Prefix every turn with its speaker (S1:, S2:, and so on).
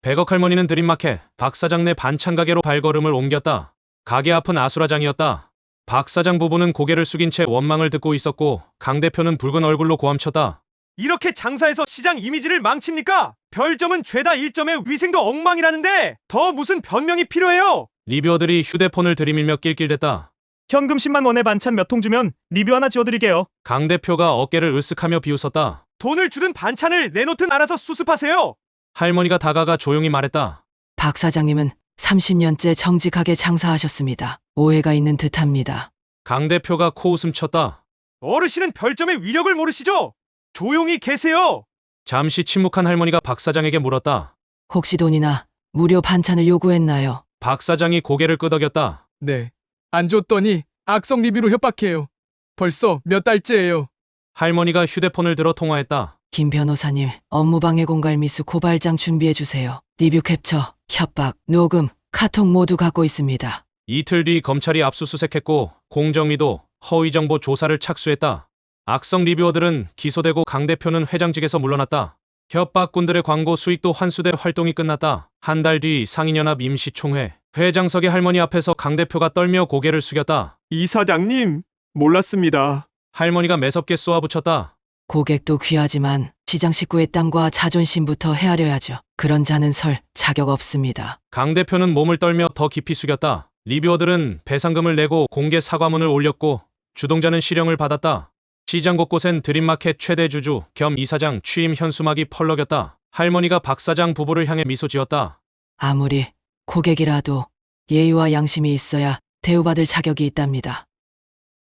S1: 백억 할머니는 드림마켓, 박 사장 내 반찬 가게로 발걸음을 옮겼다. 가게 앞은 아수라장이었다. 박 사장 부부는 고개를 숙인 채 원망을 듣고 있었고 강 대표는 붉은 얼굴로 고함쳤다.
S2: 이렇게 장사해서 시장 이미지를 망칩니까? 별점은 죄다 1점에 위생도 엉망이라는데 더 무슨 변명이 필요해요?
S1: 리뷰어들이 휴대폰을 들이밀며 낄낄댔다.
S2: 현금 10만 원에 반찬 몇 통 주면 리뷰 하나 지어드릴게요.
S1: 강 대표가 어깨를 으쓱하며 비웃었다.
S2: 돈을 주든 반찬을 내놓든 알아서 수습하세요.
S1: 할머니가 다가가 조용히 말했다.
S3: 박 사장님은 30년째 정직하게 장사하셨습니다. 오해가 있는 듯합니다.
S1: 강 대표가 코웃음 쳤다.
S2: 어르신은 별점의 위력을 모르시죠? 조용히 계세요.
S1: 잠시 침묵한 할머니가 박 사장에게 물었다.
S3: 혹시 돈이나 무료 반찬을 요구했나요?
S1: 박 사장이 고개를 끄덕였다.
S4: 네. 안 줬더니 악성 리뷰로 협박해요. 벌써 몇 달째예요.
S1: 할머니가 휴대폰을 들어 통화했다.
S3: 김 변호사님, 업무방해 공갈 미수 고발장 준비해주세요. 리뷰 캡처, 협박, 녹음, 카톡 모두 갖고 있습니다.
S1: 이틀 뒤 검찰이 압수수색했고 공정위도 허위정보 조사를 착수했다. 악성 리뷰어들은 기소되고 강 대표는 회장직에서 물러났다. 협박꾼들의 광고 수익도 환수돼 활동이 끝났다. 한 달 뒤 상인연합 임시총회. 회장석의 할머니 앞에서 강 대표가 떨며 고개를 숙였다.
S2: 이사장님, 몰랐습니다.
S1: 할머니가 매섭게 쏘아붙였다.
S3: 고객도 귀하지만 시장 식구의 땀과 자존심부터 헤아려야죠. 그런 자는 설 자격 없습니다.
S1: 강 대표는 몸을 떨며 더 깊이 숙였다. 리뷰어들은 배상금을 내고 공개 사과문을 올렸고 주동자는 실형을 받았다. 시장 곳곳엔 드림마켓 최대 주주 겸 이사장 취임 현수막이 펄럭였다. 할머니가 박 사장 부부를 향해 미소 지었다.
S3: 아무리 고객이라도 예의와 양심이 있어야 대우받을 자격이 있답니다.